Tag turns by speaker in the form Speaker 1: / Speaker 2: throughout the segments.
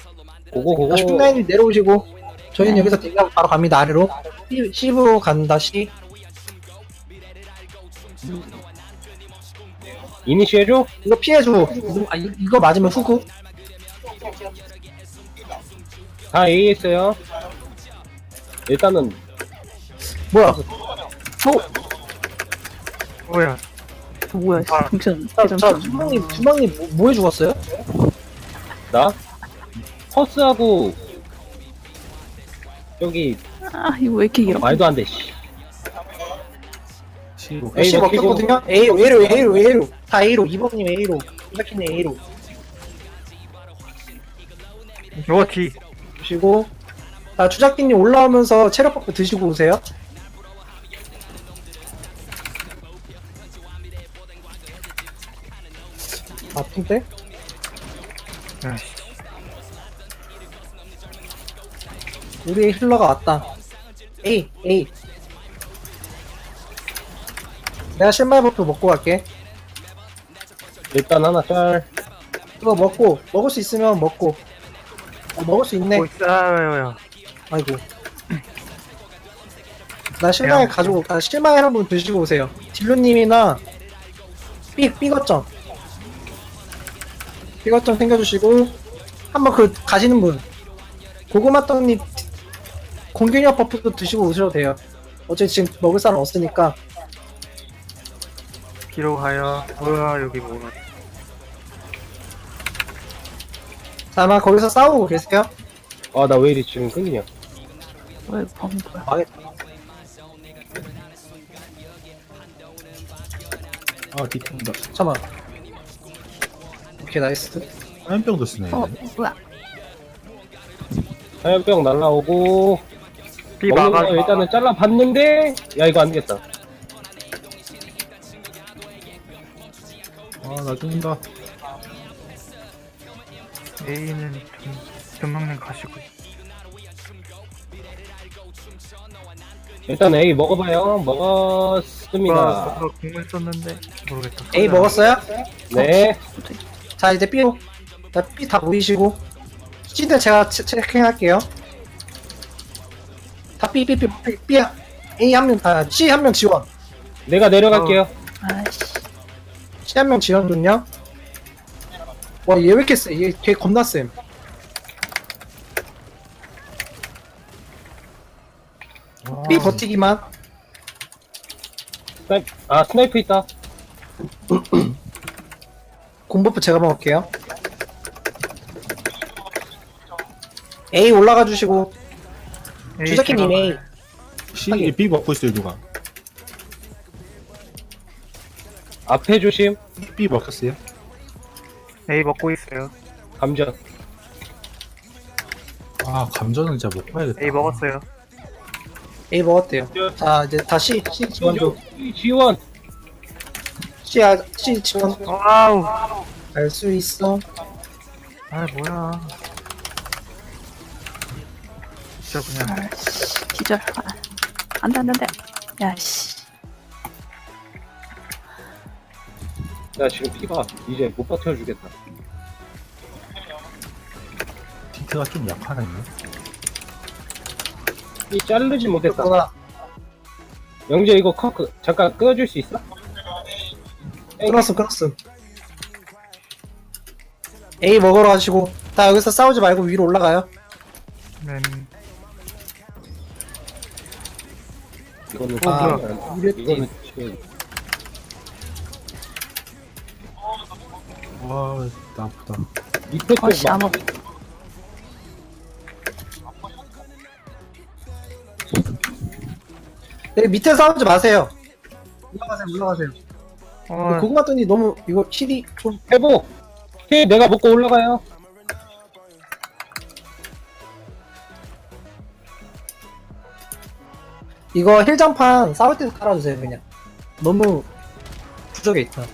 Speaker 1: 고고.
Speaker 2: 19라인이 내려오시고 저희는 여기서 대기하고 바로 갑니다. 아래로 C로 간다. C.
Speaker 1: 이니시해줘?
Speaker 2: 이거 피해줘. 이거 맞으면 후구.
Speaker 1: 다 A 했어요. 일단은
Speaker 2: 뭐야?
Speaker 3: 뭐야?
Speaker 4: 뭐야,
Speaker 3: 아,
Speaker 4: 정신,
Speaker 2: 자,
Speaker 4: 정신.
Speaker 2: 주먹님 뭐해 죽었어요?
Speaker 1: 나 퍼스하고 저기
Speaker 4: 아, 이거 왜 이렇게 길어?
Speaker 1: 말도 안 돼. 씨. A
Speaker 2: C
Speaker 1: 먹히고.
Speaker 2: 먹혔거든요? A로. 다 A로. 이범님 A로. 이자키님 A로.
Speaker 3: 로티.
Speaker 2: 주시고. 자, 주작기님 올라오면서 체력 버프 드시고 오세요. 아픈데?
Speaker 3: 야씨.
Speaker 2: 우리의 힐러가 왔다. A. 내가 실마리 버프 먹고 갈게.
Speaker 1: 일단 하나 짤.
Speaker 2: 이거 먹을 수 있으면 먹고. 먹을 수 있네.
Speaker 3: 뭐 있어요?
Speaker 2: 아이고. 나 실마리 실마리 한분 드시고 오세요. 딜루님이나 삐거점 챙겨주시고, 한번 가시는 분. 고구마떡님 공균력 버프도 드시고 오셔도 돼요. 어차피 지금 먹을 사람 없으니까.
Speaker 3: 뒤로 가요. 뭐야 여기 뭐야?
Speaker 2: 자, 아마 거기서 싸우고 계세요.
Speaker 1: 아, 나 왜 이리 지금 끊기냐.
Speaker 4: 뭐야, 이거 범인 뭐야?
Speaker 2: 망했다.
Speaker 5: 아 뒤통다.
Speaker 2: 잠깐만. 오케이, 나이스.
Speaker 5: 화염병도 쓰네.
Speaker 4: 어, 뭐야?
Speaker 1: 화염병 날라오고.
Speaker 3: B
Speaker 1: 먹는
Speaker 3: 막아.
Speaker 1: 거 일단은 잘라봤는데. 야, 이거 안 되겠다.
Speaker 5: 아나 죽는다.
Speaker 3: A는 금방님 가시고.
Speaker 1: 일단 A 먹어봐요. 먹었습니다.
Speaker 3: 저 공을 썼는데 모르겠다.
Speaker 2: A 먹었어요?
Speaker 1: 네.
Speaker 2: 자, 이제 B로. 자, B 다 보이시고. C들 제가 체킹할게요. 다 B. A 한 명 다, C 한 명 지원.
Speaker 1: 내가 내려갈게요.
Speaker 4: 아이씨.
Speaker 2: C 한 명 지원 좀요. 와, 얘 왜 이렇게 세? 걔 겁나 쌤. B 버티기만.
Speaker 1: 스나이프 있다.
Speaker 2: 공버프 제가 먹을게요. A 올라가 주시고. 주작기님 A.
Speaker 5: C B 먹고 있어요 누가?
Speaker 1: 앞에 조심.
Speaker 5: B 먹혔어요?
Speaker 3: A 먹고 있어요.
Speaker 1: 감전.
Speaker 5: 아 감전은 진짜 못 봐야겠다.
Speaker 3: A 먹었어요.
Speaker 2: A 먹었대요. 자, 이제 다시 C 지원 좀.
Speaker 1: 지원.
Speaker 2: C 지원.
Speaker 3: 와우.
Speaker 2: 알 수 있어.
Speaker 3: 아 뭐야. 진짜 그냥.
Speaker 4: 아이씨. 기절. 아, 안 돼, 안 돼, 안 돼. 야, 씨.
Speaker 1: 나 지금 피가 이제 못 버텨주겠다.
Speaker 5: 디트가 좀 약하네.
Speaker 1: 이 자르지 못했다.
Speaker 2: 그러나
Speaker 1: 영재 이거 커크 잠깐 끊어줄 수 있어?
Speaker 2: 끊었음. A 먹으러 가시고. 다 여기서 싸우지 말고 위로 올라가요.
Speaker 3: 네.
Speaker 1: 이거는
Speaker 2: 아,
Speaker 1: 이거는 지금
Speaker 5: 와나 아프다.
Speaker 1: 밑에 쪽
Speaker 4: 아씨,
Speaker 1: 막
Speaker 4: 아무.
Speaker 2: 네, 밑에 싸우지 마세요. 올라가세요. 고구마 뜬이 너무 이거 킬이 좀.
Speaker 1: 회복. 힐 내가 먹고 올라가요.
Speaker 2: 이거 힐장판 싸울 때도 깔아주세요 그냥. 너무 부족해 있다.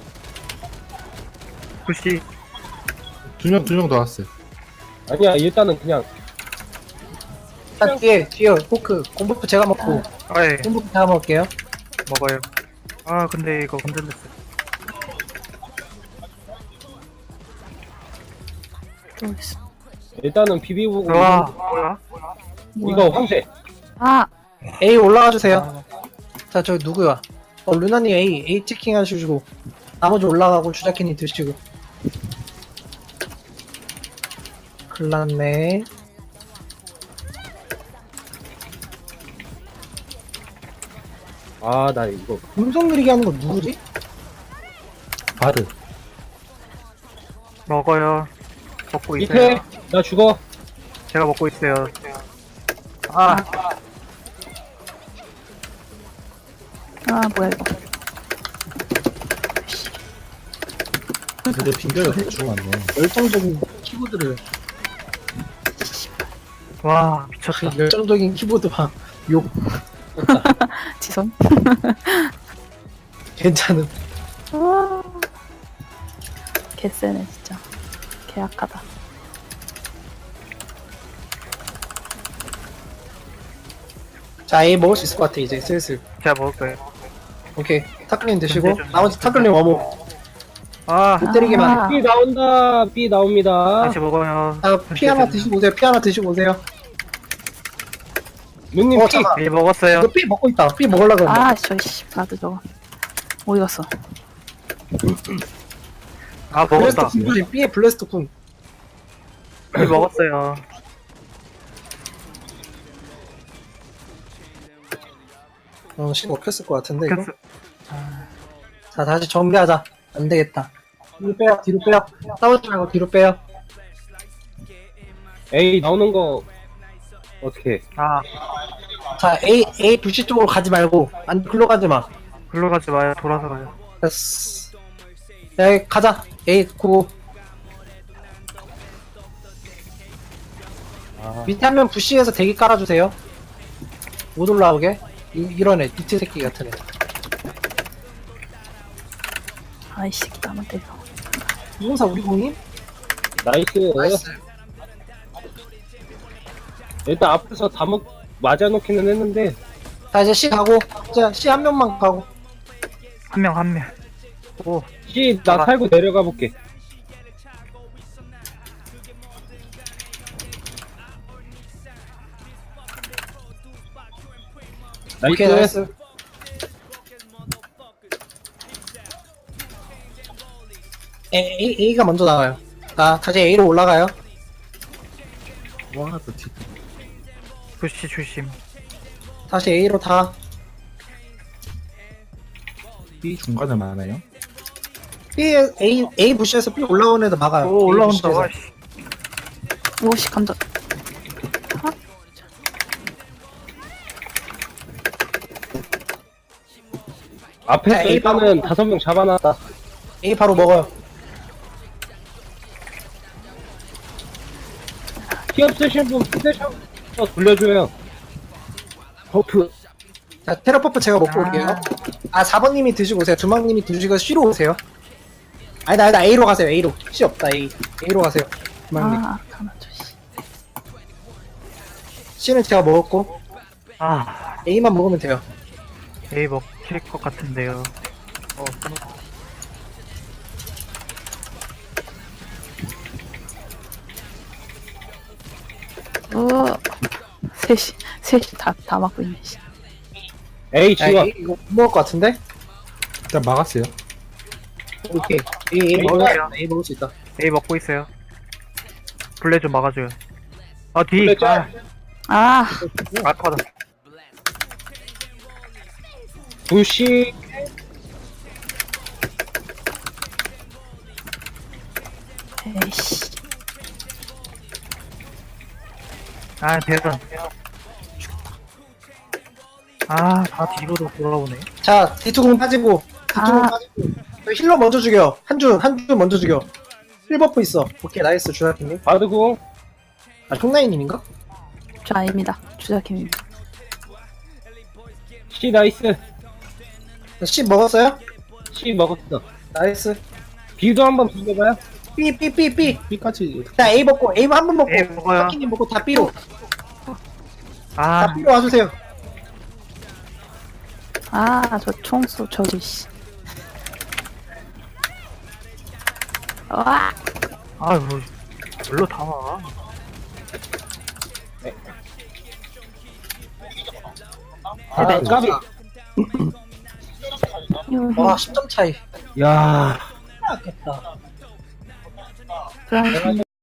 Speaker 3: 푸시.
Speaker 5: 두 명 더 왔어요.
Speaker 1: 아니야 일단은 그냥
Speaker 2: 일단 뒤에 포크 공부프 제가 먹고.
Speaker 3: 아예
Speaker 2: 공부프 제가 먹을게요.
Speaker 3: 먹어요. 아 근데 이거 건들렸어.
Speaker 4: 또 있어.
Speaker 1: 일단은 비비고
Speaker 3: 와, 뭐야?
Speaker 1: 이거 황제.
Speaker 4: 아,
Speaker 2: A 올라가 주세요. 자, 저기 누구야? 루나님 A 체킹 하시고 나머지 올라가고 주자키님 드시고. 큰일났네.
Speaker 1: 아 나 이거
Speaker 2: 음성 느리게 하는 거 누구지?
Speaker 5: 바르.
Speaker 3: 먹어요. 먹고 있어요.
Speaker 1: 밑에 나 죽어.
Speaker 3: 제가 먹고 있어요. 아,
Speaker 4: 뭐야, 이거.
Speaker 5: 근데 빙결이 대충 왔네.
Speaker 2: 열정적인 키보드를.
Speaker 3: 와, 미쳤다.
Speaker 2: 열정적인 키보드만 욕.
Speaker 4: 지선?
Speaker 2: 괜찮음.
Speaker 4: 와. 개쎄네, 진짜. 개악하다.
Speaker 2: 자, A 먹을 수 있을 것 같아, 이제 슬슬.
Speaker 3: 제가 먹을 거예요.
Speaker 2: 오케이. 타클린 드시고,
Speaker 3: 좀
Speaker 2: 나머지 타클린 워모.
Speaker 3: 아,
Speaker 2: 못 때리게만.
Speaker 4: 아.
Speaker 1: B 나온다. B 나옵니다.
Speaker 3: 다시 먹어요.
Speaker 2: 자, 피 하나 드시고 오세요. 피 하나 드시고 오세요.
Speaker 1: 누님 P.
Speaker 2: 잠깐.
Speaker 3: 예, 먹었어요.
Speaker 2: 이거 피 먹고 있다. 피 먹으려고 그랬는데.
Speaker 4: 아, 저씨, 바드 저거. 어디 갔어?
Speaker 3: 아,
Speaker 2: 블래스터
Speaker 3: 먹었다.
Speaker 2: 군 조심. B에 블래스터 군.
Speaker 3: 예, 먹었어요.
Speaker 2: 신 먹혔을 것 같은데, 이거.
Speaker 3: 됐어.
Speaker 2: 자, 다시 정비하자. 안 되겠다. 뒤로 빼요, 뒤로 빼요. 싸우지 말고 뒤로 빼요.
Speaker 1: A 나오는 거 어떻게?
Speaker 3: 아,
Speaker 2: 자, A 부시 쪽으로 가지 말고, 안, 글로 가지 마.
Speaker 3: 글로 가지 마요. 돌아서 가요.
Speaker 2: 됐어. 야, 가자. A, 고.
Speaker 1: 아,
Speaker 2: 밑에 한 명 부시에서 대기 깔아주세요. 못 올라오게. 이런 애, 비트 새끼 같은 애.
Speaker 4: 아이씨, 나만 때려.
Speaker 2: 이공사 우리 공님?
Speaker 1: 나이스. 일단 앞에서 다 맞아놓기는 했는데
Speaker 2: 자, 이제 C 가고. 자, C 한 명만 가고.
Speaker 3: 한 명, 한 명. 오,
Speaker 1: C 나 살고 내려가 볼게.
Speaker 2: 오케이,
Speaker 1: 나이스.
Speaker 2: 나이스. A가 먼저 나와요. 자, 다시 A로 올라가요.
Speaker 5: 와, 또 뒤.
Speaker 3: 부시 조심.
Speaker 2: 다시 A로 다.
Speaker 5: B 중간에 많아요.
Speaker 2: B, A 부시에서 B 올라오는 애도 막아요.
Speaker 3: 오,
Speaker 2: A
Speaker 3: 올라온다.
Speaker 2: 부시에서.
Speaker 3: 와, 씨.
Speaker 4: 오씨, 감자.
Speaker 1: 앞에
Speaker 2: 자, A
Speaker 1: 일단은 5명 잡아놨다.
Speaker 2: A 바로 먹어요.
Speaker 1: 피 없으신 분 휴대폰 돌려줘요. 버프.
Speaker 2: 자, 테러퍼프 제가 먹고 올게요. 아, 4번님이 드시고 오세요. 주먹님이 드시고 C로 오세요. 아니다. A로 가세요. A로. C 없다, A로 가세요. 주먹님.
Speaker 4: 가만둬, 씨.
Speaker 2: C는 제가 먹었고,
Speaker 3: 아,
Speaker 2: A만 먹으면 돼요.
Speaker 3: A 먹힐 것 같은데요.
Speaker 4: 셋이 다 맞고 있네, 씨.
Speaker 1: A
Speaker 2: 야,
Speaker 1: 지워.
Speaker 2: A 이거 못 먹을 것 같은데?
Speaker 5: 일단 막았어요.
Speaker 2: 오케이. A 먹어요. A 먹을 수 있다.
Speaker 3: A 먹고 있어요. 블레 좀 막아줘요. 아, 뒤.
Speaker 1: 블레
Speaker 3: 아,
Speaker 1: 짤.
Speaker 4: 아,
Speaker 3: 아파다.
Speaker 1: 부시.
Speaker 4: 에이씨.
Speaker 3: 아, 대단. 아, 다 뒤로도 돌아오네.
Speaker 2: 자, D2공 빠지고, D2공
Speaker 4: 아.
Speaker 2: 빠지고. 저 힐러 먼저 죽여. 한 줄 먼저 죽여. 힐버프 있어. 오케이, 나이스, 주사팀님.
Speaker 1: 바드고.
Speaker 2: 아, 총나이님인가?
Speaker 4: 저 아닙니다. 주자킴입니다.
Speaker 1: C 나이스.
Speaker 2: C 먹었어요?
Speaker 1: C 먹었어.
Speaker 2: 나이스.
Speaker 1: B도 한번 비벼봐요.
Speaker 2: B.
Speaker 5: B까지
Speaker 2: 자, A 먹고, A 한 번 먹고.
Speaker 3: A 먹어요.
Speaker 2: 타키님 먹고 다 B로.
Speaker 3: 아,
Speaker 2: 다 B로 와주세요.
Speaker 4: 저 총수, 저기, 씨. 와,
Speaker 3: 아, 뭐, 별로 다 와.
Speaker 5: 아,
Speaker 1: 까비.
Speaker 4: 여기.
Speaker 2: 와 10점 차이.
Speaker 1: 야.
Speaker 2: 아깝다.
Speaker 4: 그럼